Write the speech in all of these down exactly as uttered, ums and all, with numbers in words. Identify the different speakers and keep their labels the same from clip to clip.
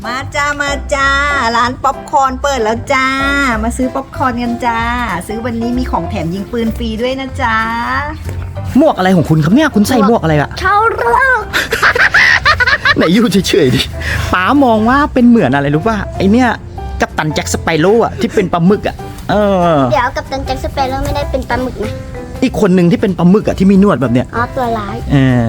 Speaker 1: มาจ้ามาจ้าร้านป๊อปคอร์นเปิดแล้วจ้ามาซื้อป๊อปคอร์นกันจ้าซื้อวันนี้มีของแถมยิงปืนฟรีด้วยนะจ้า
Speaker 2: หมวกอะไรของคุณครับเนี่ยคุณใส่หมวกอะไรอะ
Speaker 3: ชาวร็อก
Speaker 2: ไหนอยู่เฉยๆดิป๋ามองว่าเป็นเหมือนอะไรรู้ป่ะไอเนี่ยกัปตันแจ็คสไปโร่อะที่เป็นปลาหมึกอะเออ
Speaker 3: เดี๋ยวกับตันแจ็คสเปโร่ไม่ได้เป็นปลาหมึกนะ
Speaker 2: อีกคนหนึ่งที่เป็นปลาหมึกอะที่มีหนวดแบบเนี้ย
Speaker 3: อ๋อตัวร้าย
Speaker 2: เออ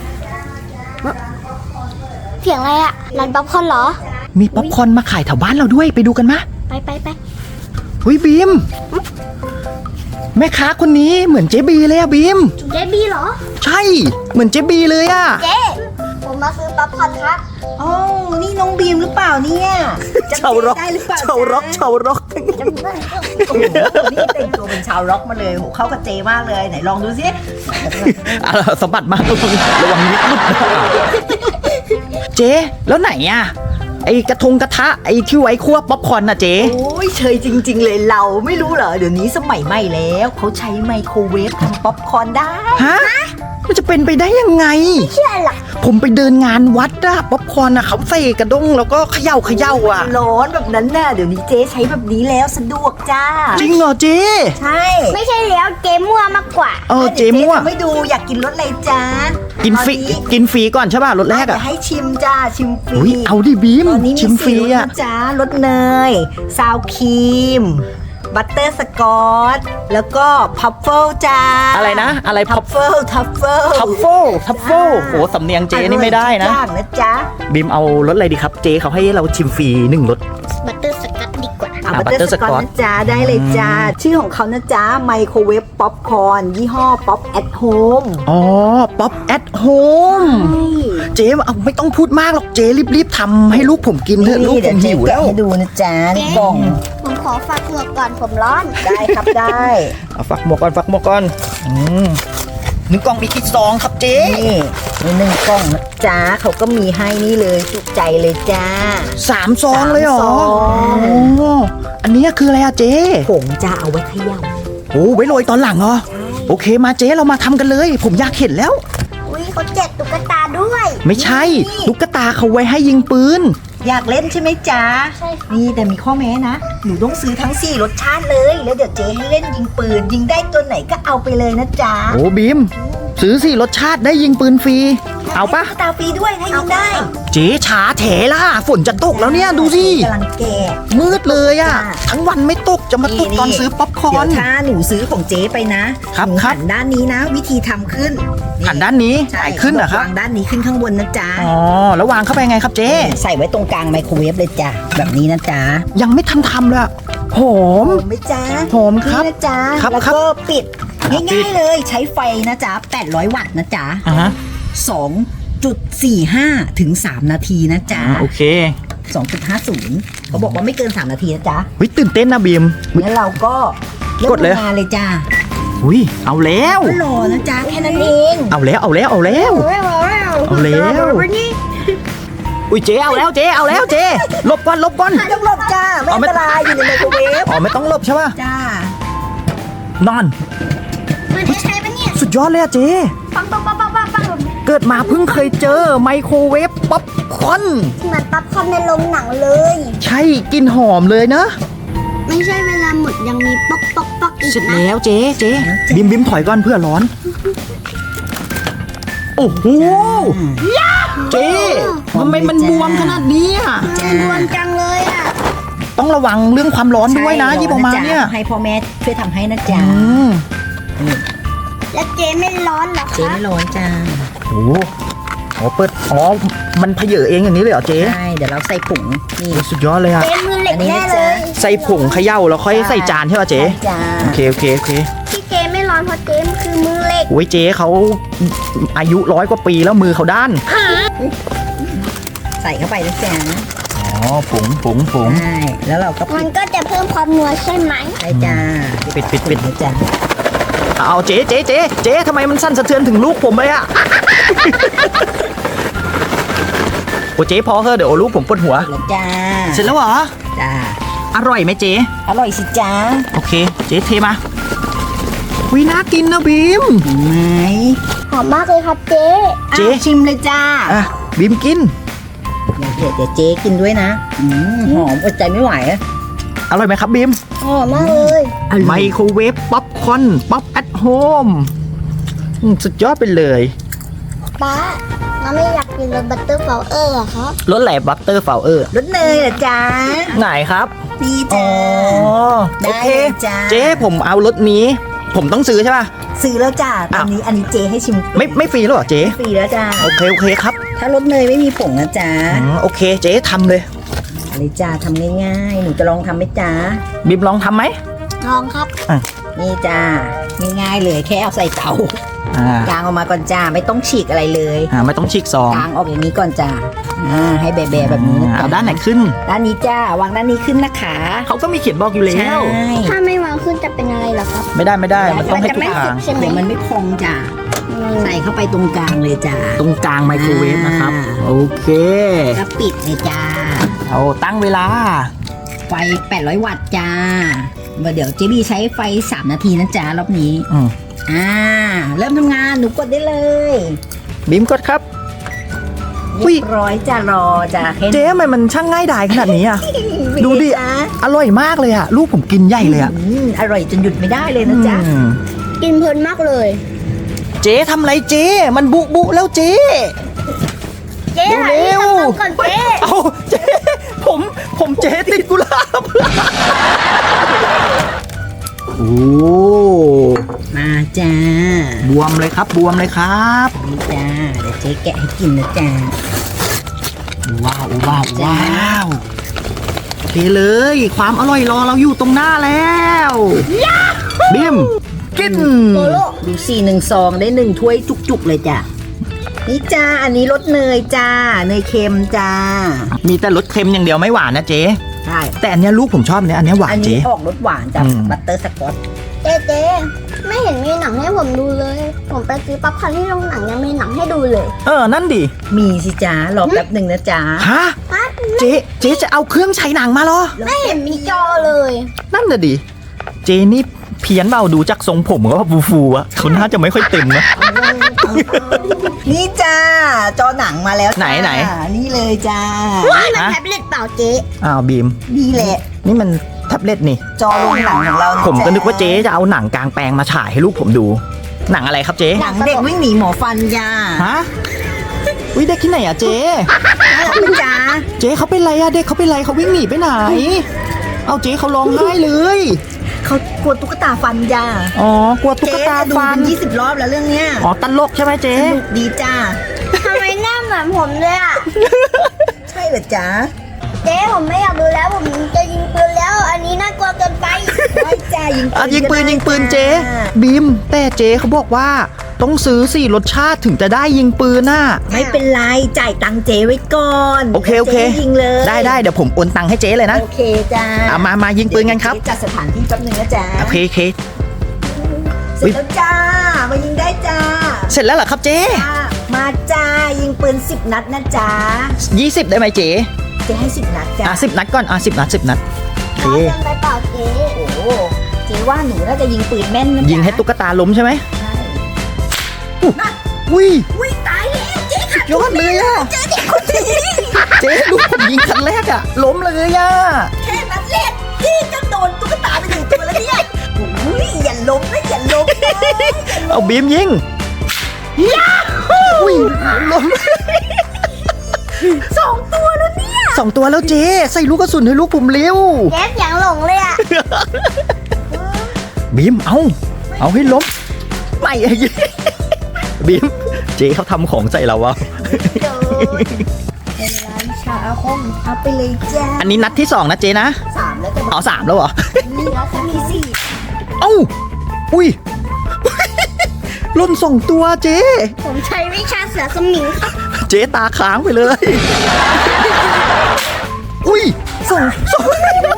Speaker 3: เสียงอะไรอะร้านป๊อปคอร์นเหรอ
Speaker 2: มีป๊อปคอร์นมาขายแถวบ้านเราด้วยไปดูกันมะ
Speaker 3: ไปไปไป
Speaker 2: หุยบีมแม่ค้าคนนี้เหมือนเจ๊บีเลยอะบีม
Speaker 3: เจ๊บีเหรอ
Speaker 2: ใช่เหมือนเจ๊บีเลยอะ
Speaker 3: เจ๊ผมมาซื้อป๊อปคอร์นครับ
Speaker 1: อ๋อนี่น้องบีมหรือเปล่าเนี่ย
Speaker 2: ชาวร็อก
Speaker 1: ได้หรือเปล่า
Speaker 2: ชาวร็อกชาวร็อก
Speaker 1: โอ้โหนี่แต่งตัวเป็นชาวร็อกมาเลยโหเข้ากับเจมากเลยไหนลองดูสิ
Speaker 2: สะบัดมากระวังนิดนิดเจ๊แล้วไหนอะไอกระทงกระทะไอที่ไว้คั่วป๊อปคอร์นนะเจ๊
Speaker 1: โอ้ยเชยจริงๆเลยเราไม่รู้เหรอเดี๋ยวนี้สมัยใหม่แล้วเขาใช้ไมโครเวฟทำป๊อปคอร์นได้
Speaker 2: ฮะมันจะเป็นไปได้ยังไง
Speaker 3: ไม่เชื่อหรอก
Speaker 2: ผมไปเดินงานวัดอะป๊อปคอร์นอะเขาใส่กระด้งแล้วก็เขย่าเขย่าอะ
Speaker 1: ร้อนแบบนั้นน่ะเดี๋ยวนี้เจ๊ใช้แบบนี้แล้วสะดวกจ้า
Speaker 2: จริงเหรอเจ๊
Speaker 1: ใช่
Speaker 3: ไม่ใช่แล้วเจ๊มั่วมากกว่า
Speaker 2: เออเจ๊มั่ว
Speaker 1: ไม่ดูอยากกินรสอะไรจ้า
Speaker 2: กินฟรีกินฟรีก่อนใช่ป่ะรสแรกอะ
Speaker 1: ให้ชิมจ้าชิมฟรี
Speaker 2: เอาดิบีมชิมฟรีอะ
Speaker 1: จ้ารสเนยซาวครีมบัตเตอร์สกอตแล้วก็พัฟเฟิลจ้า
Speaker 2: อะไรนะอะไร
Speaker 1: พัฟเฟิลทัฟเฟิล
Speaker 2: ทัฟเฟิลทัฟเฟิลโหสำเนียงเจนี่ไม่ได้นะ
Speaker 1: ยากนะจ๊ะ
Speaker 2: บีมเอารสอะไรดีครับเจเขาให้เราชิมฟรีหนึ่งรส
Speaker 3: บัตเตอร์สกอตดีกว่า
Speaker 1: บัตเตอร์สกอตนะจ๊ะได้เลยจ้าชื่อของเขานะจ๊ะไมโครเวฟป๊อปคอร์นยี่ห้อป๊อปแอทโฮม
Speaker 2: อ๋อป๊อปแอทโฮมเจเอาไม่ต้องพูดมากหรอกเจรีบๆทำให้ลูกผมกินเถอะลูกผมหิวแล้ว
Speaker 1: ให้ดูนะจ๊ะกล่อง
Speaker 3: ผมขอฝากหมวกก่อนผมร้อน
Speaker 1: ได้ครับได้
Speaker 2: เอาฝักหมวกก่อนฝักหมวกก่อนอืมหนึ่งกล่องมีกี่ซองครับเจ๊
Speaker 1: นี่มีหนึ่งกล่องนะจ๊ะเขาก็มีให้นี่เลยจุใจเลยจ้า
Speaker 2: สามซองเลยเหรอโอ้อันนี้คืออะไรอะเจ๊
Speaker 1: ผงจะเอาไว้เขย่า
Speaker 2: โอ้ไว้โรยตอนหลังเหรอโอเคมาเจ๊เรามาทำกันเลยผมอยากเห็นแล้ว
Speaker 3: อุ้ยเขาแจกตุ๊กตาด้วย
Speaker 2: ไม่ใช่ตุ๊กตาเขาไว้ให้ยิงปืน
Speaker 1: อยากเล่นใช่ไหมจ๊ะ
Speaker 3: ใช่
Speaker 1: นี่แต่มีข้อแม้นะหนูต้องซื้อทั้งสี่รสชาติเลยแล้วเดี๋ยวเจ๊ให้เล่นยิงปืนยิงได้ตัวไหนก็เอาไปเลยนะจ๊ะ
Speaker 2: โอ้บีมซื้อสี่รสชาติได้ยิงปืนฟรีเอาปะ
Speaker 1: ตาฟรีด้วยให้ยิงได้
Speaker 2: เจ๊ช้าแถล่ะฝนจะตกแล้วเนี่ยดูสิ
Speaker 1: กำลังแก่
Speaker 2: มืดเลยอ่ะทั้งวันไม่ตกจะมาตกตอนซื้อป๊อปคอร์น
Speaker 1: เดี๋ยวถ้าหนูซื้อของเจ๊ไปนะครับหันด้านนี้นะวิธีทำขึ้น
Speaker 2: หันด้านนี้ใช่ขึ้นเหรอครับ
Speaker 1: วางด้านนี้ขึ้นข้างบนนะจ๊ะ
Speaker 2: อ๋อแล้ววางเข้าไปไงครับเจ๊
Speaker 1: ใส่ไว้ตรงกลางไมโครเวฟเลยจ้ะแบบนี้นะจ๊ะ
Speaker 2: ยังไม่ทันทำเลยหอม
Speaker 1: ไหมจ๊ะ
Speaker 2: หอมครับ
Speaker 1: นะจ๊ะแล้วก็ปิดง่ายๆเลยใช้ไฟนะจ๊ะแปดร้อยวัตต์นะจ๊ะสองจุดสี่ห้า ถึงสามนาทีนะจ๊ะ
Speaker 2: โอเค
Speaker 1: สองจุดห้าศูนย์ เขาบอกว่าไม่เกินสามนาทีนะจ๊ะ
Speaker 2: เฮ้ยตื่นเต้นนะบีม
Speaker 1: แล้วเราก็
Speaker 2: กดเลย
Speaker 1: งานเลยจ้า
Speaker 2: อุ้ยเอาแล้ว
Speaker 1: รอนะจ๊ะแค่นั้นเอง
Speaker 2: เอาแล้วเอาแล้วเอาแล้วเอาแล้วอุ้ยเจ๊เอาแล้วเจ๊เอาแล้วเจ๊หลบก่อนหลบก่อน
Speaker 1: ไม่ต้องหลบจ้าไม่อันตรายอยู่ในไมโครเวฟ
Speaker 2: อ๋อไม่ต้องหลบใช่ป่ะ
Speaker 1: จ้าน
Speaker 2: อน
Speaker 3: มันจะใช้ปะเนี่ย
Speaker 2: สุดยอดเลยอะเจ๊
Speaker 3: ปังปังปังปังปังปัง
Speaker 2: เกิดมาเพิ่งเคยเจอไมโครเวฟป๊อปคอร์น
Speaker 3: เหมือนป๊อปคอร์นในโรงหนังเลย
Speaker 2: ใช่กลิ่นหอมเลยนะ
Speaker 3: ไม่ใช่เวลาหมดยังมีป๊อกป๊อกป๊อกอีกนะ
Speaker 2: เสร็จแล้วเจ๊เจ๊บิมบิมถอยก่อนเพื่อร้อนโอ้โหเจ๊ทำไมมันบวมขนาดนี้อ่ะ
Speaker 3: บวมจังเลยอ่ะ
Speaker 2: ต้องระวังเรื่องความร้อนด้วยนะยี่ปอมาเนี่ย
Speaker 1: ให้พ่อแม่ช่วยทำให้นะจ๊ะ
Speaker 3: แล้วเจ๊ไม่ร้อนหรอคะ
Speaker 1: เจ๊ไม่ร้อนจ้า
Speaker 2: โอ้โหเปิดอ๋อมันเพเยอเองอย่างนี้เลยเหรอเจ๊
Speaker 1: ใช่เดี๋ยวเราใส่ผงนี่
Speaker 2: สุดยอดเลยอ่ะ
Speaker 3: เจ๊มือเหล็กแน่เลย
Speaker 2: ใส่ผงเขย่าแล้วค่อยใส่จานใช่ป่ะเจ๊โอเคโอเคโอเค
Speaker 3: ที่เจ๊ไม่ร้อนเพราะเจ๊คือมือเหล็ก
Speaker 2: โอ้ยเจ๊เขาอายุร้อยกว่าปีแล้วมือเขาด้าน
Speaker 1: ใส่เข้าไปนะจ๊ะ
Speaker 2: อ๋อผงผงผง
Speaker 1: ใช่แล้วเราก็
Speaker 3: มันก็จะเพิ่มความนัวใช่ไหม
Speaker 1: ใช่จ้า
Speaker 2: ปิดปิดปิด
Speaker 1: นะจ๊ะ
Speaker 2: เอาเจ๊เจ๊เจ๊เจ๊ทำไมมันสั่นสะเทือนถึงลูกผมเลยอะโอ้เจ๊พอเถอะเดี๋ยวลูกผมปวดหัว
Speaker 1: แล้วจ้า
Speaker 2: เสร็จแล้วเหรอ
Speaker 1: จ้า
Speaker 2: อร่อยไหมเจ๊
Speaker 1: อร่อยสิจ้า
Speaker 2: โอเคเจ๊เทมาวิน่ากินนะบีม
Speaker 1: ไหม
Speaker 3: หอมมากเลยครับเจ๊
Speaker 1: เจ๊ชิมเลยจ้า
Speaker 2: อ่ะบีมกิน
Speaker 1: เดี๋ยวเดี๋ยวเดี๋ยวเจ๊กินด้วยนะอืมหอมอดใจไม่ไหวอะ
Speaker 2: อร่อยไหมครับบีม
Speaker 3: หอมมากเลย
Speaker 2: ไมโครเวฟป๊อปคอร์นป๊อปแอทโฮมสุดยอดไปเลย
Speaker 3: ป้าเราไม่อยากกินรสบัตเตอร์เฟลเออร์อะครับ
Speaker 2: รสแหลบัตเตอร์ฟลาวเออร์
Speaker 1: รสเนยเหรอจ๊ะ
Speaker 2: ไหนครับ
Speaker 1: นี่
Speaker 2: อ๋
Speaker 1: จ้า
Speaker 2: อ
Speaker 1: ได้
Speaker 2: โอเค
Speaker 1: เลยจ้า
Speaker 2: เจ๊ผมเอารสนี้ ผมต้องซื้อใช่ป่ะ
Speaker 1: ซื้อแล้วจ้าตอนนี้อันนี้เจ๊ให้ชิม
Speaker 2: ไม่ไม่ฟรีแล้วเหรอเจ๊
Speaker 1: ฟรีแล้วจ้า
Speaker 2: โอเคโอเคครับ
Speaker 1: ถ้ารสเนยไม่มีผงนะจ๊ะ
Speaker 2: อืมโอเคเจ๊ทำเลย
Speaker 1: อะไรจ้าทำง่ายๆหนูจะลองทำไหมจ๊ะ
Speaker 2: บีมลองทำไหม
Speaker 3: ลองครับ
Speaker 1: นี่จ้าง่ายๆเลยแค่เอาใส่เตา
Speaker 2: อ่าก
Speaker 1: างออกมาก่อนจ้าไม่ต้องฉีกอะไรเลย
Speaker 2: อ่าไม่ต้องฉีกซอง
Speaker 1: กางออกอย่างนี้ก่อนจ้าอ่าให้แบะๆแบบนี้นะ
Speaker 2: อ่า
Speaker 1: จ๊ะ
Speaker 2: เอาด้านไหนขึ้น
Speaker 1: ด้านนี้จ้าวางด้านนี้ขึ้นนะคะ
Speaker 2: เขาก็มีเขียนบอกอยู่แล้
Speaker 1: ใช่
Speaker 2: ว
Speaker 3: ถ้าไม่วางขึ้นจะเป็นอะไรเหรอครับ
Speaker 2: ไม่ได้ไม่ได้มันต้องให้ทุกทาง
Speaker 3: ใช่ไหม
Speaker 1: เดี๋ยวมันไม่พองจ้า
Speaker 3: อืม
Speaker 1: ใส่เข้าไปตรงกลางเลยจ้า
Speaker 2: ตรงกลางไมโครเวฟนะครับ
Speaker 1: อ่า
Speaker 2: โอเค
Speaker 1: ก็ปิดเลยจ้า
Speaker 2: เอาตั้งเวลา
Speaker 1: ไฟแปดร้อยวัตต์จ้าเดี๋ยวเจบี้ใช้ไฟสามนาทีนะจ๊ะรอบนี้
Speaker 2: อืม
Speaker 1: อ่าเริ่มทำงานหนูกดได้เลย
Speaker 2: บีมกดครับ อุ๊
Speaker 1: เรี
Speaker 2: ย
Speaker 1: ยบร้อยจ้ารอจ้าแค่นี้
Speaker 2: เจ๊ทำไมมันช่างง่ายดายขนาดนี้อ่ะ ดูดิ
Speaker 1: จ้า
Speaker 2: อร่อยมากเลยอ่ะ ลูกผมกินใหญ่เลยอ่ะ
Speaker 1: อืมอร่อยจนหยุดไม่ได้เลยนะจ๊ะ
Speaker 2: อืม
Speaker 3: กินเพลินมากเลย
Speaker 2: เจ๊ทำไรเจ๊มันบุบุแล้วเจ๊
Speaker 3: เจ๊หา
Speaker 2: เร็
Speaker 3: ที่
Speaker 2: ว
Speaker 3: ทำน้ำก่อนเจ๊
Speaker 2: เอาเจ๊ผมผมเจ๊ติดกุหลาบโอ้
Speaker 1: มาจ้า
Speaker 2: บวมเลยครับบวมเลยครับ
Speaker 1: นี่จ้าเดี๋ยวเจ๊แกะให้กินนะจ้า
Speaker 2: ว้าวว้าวว้าวโอเคเลย ความอร่อยรอเราอยู่ตรงหน้าแล้วบิมกิน
Speaker 1: ดูสี่หนึ่งซองได้หนึ่งถ้วยจุกๆเลยจ้ะนี่จ้าอันนี้รสเนยจ้าเนยเค็มจ้า
Speaker 2: มีแต่รสเค็มอย่างเดียวไม่หวานนะเจ๊
Speaker 1: ใช่
Speaker 2: แต่อันเนี้ยลูกผมชอบเนี่ยอันเนี้ยหวา
Speaker 1: อั
Speaker 2: น
Speaker 1: น
Speaker 2: เจ๊
Speaker 1: นี้ออกรสหวานจ้ะ
Speaker 2: อืม
Speaker 1: บัตเตอร์สกอต
Speaker 3: เจ๊เจ๊ไม่เห็นมีหนังให้ผมดูเลย ผมไปซื้อป๊อปคอร์นที่โรงหนังยังมีหนังให้ดูเลย
Speaker 2: เออนั่นดิ
Speaker 1: มีสิจ้ารอแป๊บหนึ่งนะจ้า
Speaker 2: ฮะเจ๊เจ๊จะเอาเครื่องฉายหนังมาเหรอ
Speaker 3: ไม่เห็นมีจอเลย
Speaker 2: นั่นน่ะดิ เจนี่เพี้ยนเบาดูจากทรงผมก็ฟูฟูๆอะเขาน่าจะไม่ค่อยเต็มนะ
Speaker 1: นี่จ้าจอหนังมาแล้วจ้า
Speaker 2: ไหนไหน
Speaker 1: นี่เลยจ้า
Speaker 3: นี่มัน
Speaker 2: ฮะ
Speaker 3: แท็บเล็ตเปล่าเจ๊
Speaker 2: อ้าวบีม
Speaker 1: นี่แหละ
Speaker 2: นี่มันแท็บเล็ตนี่
Speaker 1: จอโรงหนังของเราะ
Speaker 2: ผมก็
Speaker 1: จ้า
Speaker 2: นึกว่าเจ๊จะเอาหนังกลางแปลงมาฉายให้ลูกผมดู หนังอะไรครับเจ๊
Speaker 1: หนังเด็กวิ่งหนีหมอฟันจ้า
Speaker 2: ฮะวิเด็กที่ไหนอะเจ๊
Speaker 1: น่ารักไหมจ้า
Speaker 2: เจ๊เขาเป็นไรอะเด็กเขาเป็นไรเขาวิ่งหนีไปไหน เอาเจ๊เขาร้องไห้เลย
Speaker 1: เขากลัวตุ๊กตาฟันจ้า
Speaker 2: อ๋อกลัวตุ๊กตา
Speaker 1: เจ๊ดู
Speaker 2: ฟัน
Speaker 1: เป็นยี่สิบรอบแล้วเรื่องเนี้ย
Speaker 2: อ๋อตลกใช่ไหมเจ๊
Speaker 1: สนุกดีจ้า
Speaker 3: ทำไมหน้าเหมือนผมเลยอ่ะ
Speaker 1: ใช่เหรอจ๊ะ
Speaker 3: เจ๊ผมไม่อยากดูแล้วผมจะยิงปืนแล้ว อันนี้น่ากลัวเกินไป
Speaker 1: ไม่จ้ายิง
Speaker 2: อ่ะยิงปืน
Speaker 1: ก็ได้
Speaker 2: ยิงปืนเจ๊
Speaker 1: จ้า
Speaker 2: บีมแต่เจ๊เขาบอกว่าต้องซื้อสี่รสชาติถึงจะได้ยิงปืนน่ะ
Speaker 1: ไม่เป็นไรจ่ายตังค์เจ๊ไว้ก่อน
Speaker 2: โอเคโอเค
Speaker 1: จ๊ยิงเลย
Speaker 2: ได้ได้เดี๋ยวผมโอนตังค์ให้เจ๊เลยนะ
Speaker 1: โอเคจ้า
Speaker 2: เอามามายิงปืนกันครับ
Speaker 1: เดี๋ยวเจ๊จัดสถานที่แป๊บนึงนะจ๊ะ
Speaker 2: โอเคโอเค
Speaker 1: เสร็จแล้วจ้ามายิงได้จ้า
Speaker 2: เสร็จแล้วเหรอครับเจ๊
Speaker 1: จ้ามาจ้ายิงปืนสิบนัดนะจ๊ะ
Speaker 2: ยี่สิบได้ไหมเจ๊
Speaker 1: เจ๊ให้สิบนัดจ้า
Speaker 2: อ่ะสิบนัดก่อนอ่ะสิบนัดสิบนัดโอเค
Speaker 3: ร้อนเกินไปเปล่าเจ๊
Speaker 1: โอ้โหเจ๊ว่าหนูน่าจะยิงปืนแม่นนะจ๊ะ
Speaker 2: ยิงให้ตุ๊กตาล้มใช่ไหม
Speaker 1: ใช่
Speaker 2: อุ้ย
Speaker 1: อุ้ยตายแล้วเจ๊ค่ะ
Speaker 2: ยอดเลยอ่ะ
Speaker 1: เจ๊เด็กคนนี้
Speaker 2: เจ๊ลูกผมยิงครั้งแรกอ่ะล้มเลยอ่ะ
Speaker 1: แค่นัดแรกที่จะโดนตุ๊กตาไปหนึ่งตัวแล้วเนี่ยอุ้ยอย่าล้มนะอย่าล้มนะ
Speaker 2: เอาบีมยิงอุ้ยล้ม
Speaker 1: สองตัวแล้วเนี่ย
Speaker 2: สองตัวแล้วเจ๊ใส่ลูกกระสุนให้ลูกผมเร็ว
Speaker 3: เจ๊เสียงหลงเลยอ่ะ
Speaker 2: บีมเอาเอาให้ล้มไม่ไอ้ยิงบีมเจ๊เขาทำของใส่เราวะ
Speaker 1: เดินเวลาวิชาอาคมเอาไปเลยจ้า
Speaker 2: อันนี้นัดที่สองนะเจ๊นะ
Speaker 1: สามแล้วจะบอก
Speaker 2: เอาสามแล้วเหรอ
Speaker 1: นี่แล้วจะมีสี่
Speaker 2: เอ้า อุ้ย หล่นสองตัวเจ๊
Speaker 3: ผมใช้วิชาเสือสมิงครับ
Speaker 2: เจ๊ตาค้างไปเลย อุ้ยสองสอง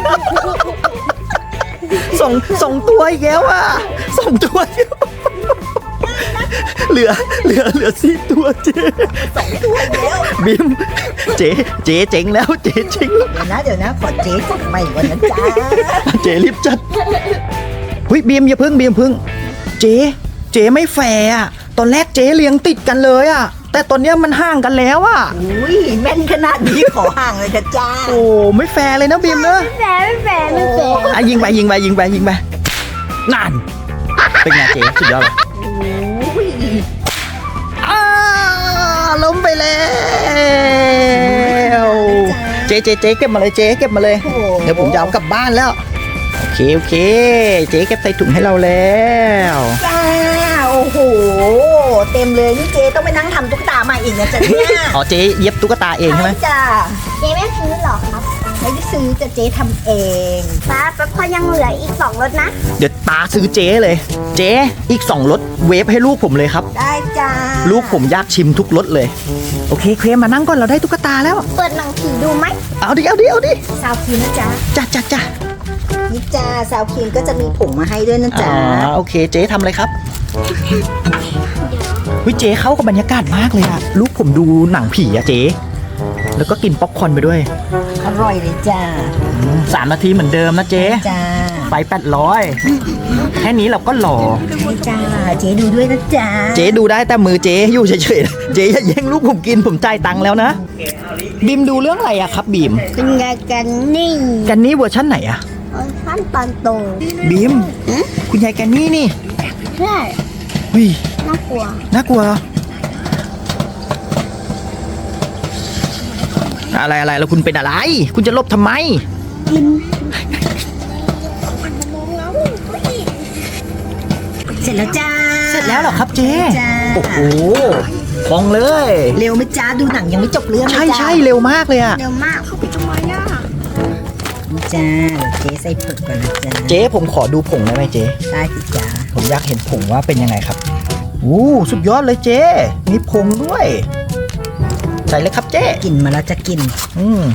Speaker 2: สองสองตัวอีกแล้วอ่ะสองตัวอีกเหลือ เหลือ เหลือสี่ตัวเจ๊
Speaker 1: สองตัวแล้ว
Speaker 2: บิม เจ๊เจ๊เจ๋งแล้ว เจ๊เจ๋ง
Speaker 1: เดี๋ยวนะเดี๋ยวนะขอเจ๊จัดใหม่ก่อนนะจ้า
Speaker 2: เจ๊รีบจัดเฮ้ยบีมอย่าพึ่งบีมพึ่ง เจ๊เจ๊ไม่แฟร์อ่ะ ตอนแรกเจ๊เลี้ยงติดกันเลยอ่ะแต่ตอนเนี้ยมันห่างกันแล้วอะ
Speaker 1: อุ้ยแม่นขนาดนี้ขอห่างเลยนะจ้า
Speaker 2: โอ้ไม่แฟร์เลยนะบีมเนอะ
Speaker 3: ไม่แฝงไม่แฝงไม่แฝง
Speaker 2: อ่ะยิงไปยิงไปยิงไปยิงไปนั่นเป็นไงเจ๊สุดยอดเลย
Speaker 1: อุ้ย
Speaker 2: อ้าล้มไปแล้ว เจ๊เจ๊เจ๊เก็บมาเลยเจ๊เก็บมาเลย เดี๋ยวผมจะเอากลับบ้านแล้ว โอเคโอเค เจ๊เก็บใส่ถุงให้เราแล้ว
Speaker 1: จ้าโอ้โหเต็มเลยนี่เจ๊ต้องไปนั่งทำตุ๊กตาใหม่อีกนะจ๊ะเนี่ย
Speaker 2: อ๋อเจ๊เย็บตุ๊กตาเองใช่ไหม
Speaker 1: จ้า
Speaker 3: เจ๊ไม่ซื้อหรอครับ
Speaker 1: ไม่ได้ซื้อจะเจ๊ทำเอง
Speaker 3: ป้าป๊อปคอร์นยังเหลืออีกสองรสนะ
Speaker 2: เดี๋ยวตาซื้อเจ๊เลย เจ๊อีกสองรสเวฟให้ลูกผมเลยครับ
Speaker 1: ได้จ้า
Speaker 2: ลูกผมอยากชิมทุกรสเลย โอเคเคลมมานั่งก่อนเราได้ตุ๊กตาแล้ว
Speaker 3: เปิดหนังผีดูไหม
Speaker 2: เอาดิเอาดิเอาดิ
Speaker 1: ซาวคีนนะจ๊ะ
Speaker 2: จ้าจ้าจ้า
Speaker 1: นี่จ้าซาวคีนก็จะมีผงมาให้ด้วยนะ
Speaker 2: อ๋
Speaker 1: จ๊ะ
Speaker 2: อโอเคเจ๊ทำเลยครับวิเจ๊เข้ากับบรรยากาศมากเลยอะลูกผมดูหนังผีอะเจ๊แล้วก็กินป๊อปคอร์นไปด้วย
Speaker 1: อร่อยเลยจ้า
Speaker 2: อืมสามนาทีเหมือนเดิมนะเจ๊
Speaker 1: จ้า
Speaker 2: ไปแปดร้อยแค่นี้เราก็หล่อ
Speaker 1: ให้จ้าเจ๊ดูด้วยนะจ๊ะ
Speaker 2: เจ๊ดูได้แต่มือเจ๊อยู่เฉยๆนะเจ๊อย่าแย่งลูกผมกินผมจ่ายตังค์แล้วนะบีมดูเรื่องอะไรอะครับบีม
Speaker 3: เป็นไงกันนี่
Speaker 2: แกันนี่เวอร์ชั่นไหนอะ
Speaker 3: เออขั้นตอนโต
Speaker 2: บีมคุณยายแกันนี่นี่
Speaker 3: ใช่
Speaker 2: วิ
Speaker 3: น่ากลัว
Speaker 2: น่ากลัวอะไรอะไรแล้วคุณเป็นอะไร คุณจะลบทำไม
Speaker 1: เสร็จแล้วจ้า
Speaker 2: เสร็จแล้วเหรอครับเจ๊
Speaker 1: จ้า
Speaker 2: โอ้โหพองเลย
Speaker 1: เร็วไหมจ้าดูหนังยังไม่จบเรื่องเลย
Speaker 2: ใช่
Speaker 1: จ้า
Speaker 2: ใช่เร็วมากเลยอะ
Speaker 3: เร็วมากเข้าไปทำไมอ่ะ
Speaker 1: นี่จ้าเดี๋ยวเจ๊ใส่ผงก่อนนะจ้า
Speaker 2: เจ๊ผมขอดูผงได้ไหมเจ๊
Speaker 1: ได้สิจ้า
Speaker 2: ผมอยากเห็นผงว่าเป็นยังไงครับอู้สุดยอดเลยเจ๊มีผงด้วย ใส่เลยครับเจ๊
Speaker 1: กินมาแล้วจะกิน
Speaker 2: อืม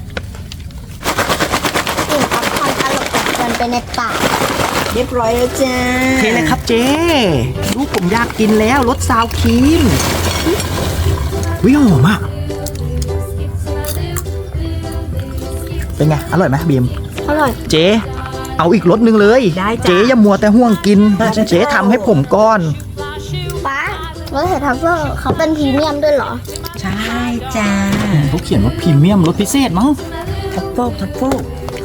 Speaker 3: กลิ่นป๊อปคอร์นตลบอบอวนไปในปาก
Speaker 1: เรียบร้อยแล้วจ้า
Speaker 2: โอเคเลยครับเจ๊ลูกผมอยากกินแล้วรสซาวครีมวิหอมอ่ะเป็นไงอร่อยไหมบีม
Speaker 3: อร่อย
Speaker 2: เจ๊เอาอีกรสหนึ่งเลย
Speaker 1: ได้จ้า
Speaker 2: เจ๊อย่ามัวแต่ห่วงกิน เจ๊ทำให้ผมก่อน
Speaker 3: ป้ารสเห็ดทัฟเฟิลเขาเป็นพรีเมียมด้วยเหรอ
Speaker 1: ใช่จ้า
Speaker 2: เขาเขียนว่าพรีเมียมรสพิเศษมั้ง
Speaker 1: ทัฟเฟิลทัฟเฟิล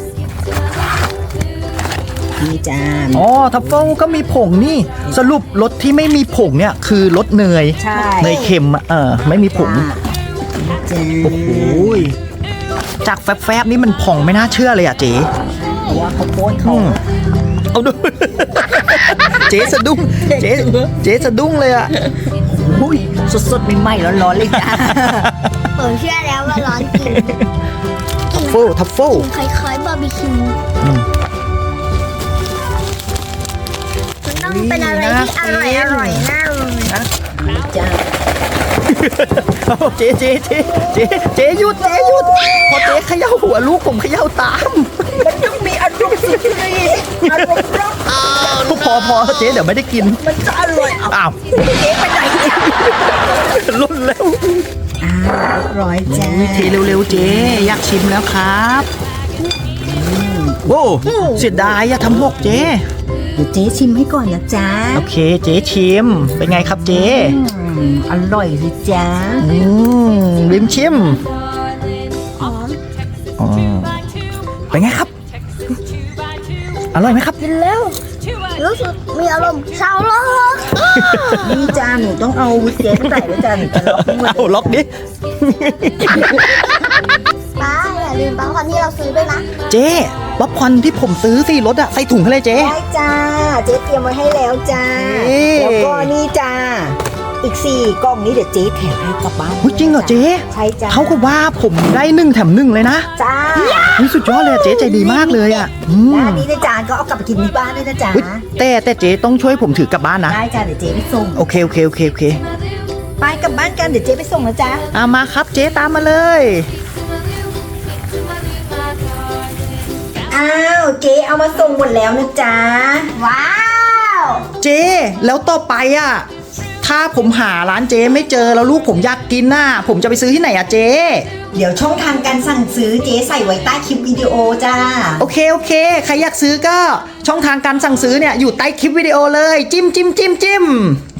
Speaker 1: นี่จ้า
Speaker 2: อ๋อทัฟเฟิลก็มีผงนี่สรุปรสที่ไม่มีผงเนี่ยคือรสเนย
Speaker 1: ใช่
Speaker 2: เนยเค็มอะเออไม่มีผง
Speaker 1: จ้า
Speaker 2: โอ้โหยจากแฟบๆนี่มันผ่องไม่น่าเชื่อเลยอ่ะเจ๊
Speaker 1: เพราะว่าเขาโป้นเขา
Speaker 2: อืมเอาดู เจ๊สะดุ้งเจ๊เจ๊สะดุ้งเลยอ่ะ
Speaker 1: อุ้ยสดๆใหม่ๆร้อนๆเลยจ้า
Speaker 3: ผมเชื่อแล้วว่าร้อนจริง
Speaker 2: ทัฟเฟิลทัฟเฟิล
Speaker 3: คล้ายๆบาร์บีคิว
Speaker 2: อืม
Speaker 3: มันต้องเป็นอะไรที่อร่อยอร่อยๆน่าเลย
Speaker 1: จ้า
Speaker 2: เอาเจ๊เจ๊เจ๊เจ๊เจ๊หยุดเจ๊หยุดพอเจ๊เขย่าหัวลูกผมเขย่าตาม
Speaker 1: มันต้องมีอารมณ์สุดฤทธิ์อารมณ์รัก
Speaker 2: พอพอเจ๊เดี๋ยวไม่ได้กิน
Speaker 1: มันจะอร่อยเอา
Speaker 2: อ้าว
Speaker 1: เจ๊ไปไหนเนี่ย
Speaker 2: รุ่นแล้ว
Speaker 1: อ่าเรียบร้อยจ้า
Speaker 2: วิธีเร็วๆเจ๊อยากชิมแล้วครับโอ้เสียดายอย่าทำหกเจ๊
Speaker 1: เดี๋ยวเจ๊ชิมให้ก่อนนะจ๊ะ
Speaker 2: โอเคเจ๊ชิมเป็นไงครับเจ๊
Speaker 1: อืมอร่อยสิจ๊ะ
Speaker 2: อืมริมชิม
Speaker 3: หอม
Speaker 2: อ๋อเป็นไงครับ อร่อยไหมครับ
Speaker 3: กินแล้วรู้สึกมีอารมณ์เศร้าโลก
Speaker 1: นี่จ้าหนูต้องเอาวิเจ๊ใส่ไว้จ้าหนูจะล็อกมือ
Speaker 2: เอาล็อกดิ
Speaker 3: ป้าอย่าลืมป๊อปคอร์นที่เราซื้อด้วยนะ
Speaker 2: เจ๊ป๊อปคอร์นที่ผมซื้อสิรถอะใส่ถุงให้เลยเจ๊
Speaker 1: ได้จ้า เจ๊เตรียมไว้ให้แล้วจ้า
Speaker 2: เอ๊ะ
Speaker 1: แล้วก็นี่จ้า อีกสี่กล่องนี้เดี๋ยวเจ๊แถมให้กลับบ้าน
Speaker 2: อุ๊ยจริงเหรอเจ๊
Speaker 1: ใช่จ้า
Speaker 2: เขาก็ว่าผมได้หนึ่งแถมหนึ่งเลยนะ
Speaker 1: จ้า
Speaker 2: นี่สุดยอดเลยอะเจ๊ใจดีมากเลยอะอืม
Speaker 1: แล้วอันนี้นะจ๊ะก็เอากลับไปกินที่บ้านด้วยนะจ๊ะ
Speaker 2: อุ๊ยแต่แต่เจ๊ต้องช่วยผมถือกลับบ้านนะ
Speaker 1: ได้จ้าเดี๋ยวเจ๊ไปส่ง
Speaker 2: โอเคโอเคโอเคโอเค
Speaker 1: ไปกลับบ้านกันเดี๋ยวเจ๊ไปส่งนะจ๊ะ
Speaker 2: อ่ะมาครับเจ๊ตามมาเลย
Speaker 1: อ้าวเจ๊เอามาส่งหมดแล้วนะจ๊ะ
Speaker 3: ว้าว
Speaker 2: เจ๊แล้วต่อไปอ่ะ ถ้าผมหาร้านเจ๊ไม่เจอแล้วลูกผมอยากกินน่ะผมจะไปซื้อที่ไหนอ่ะเจ๊
Speaker 1: เดี๋ยวช่องทางการสั่งซื้อเจ๊ใส่ไว้ใต้คลิปวิดีโอจ้า
Speaker 2: โอเคโอเคใครอยากซื้อก็ช่องทางการสั่งซื้อเนี่ยอยู่ใต้คลิปวิดีโอเลยจิ้มจิ้มจิ้มจิ้ม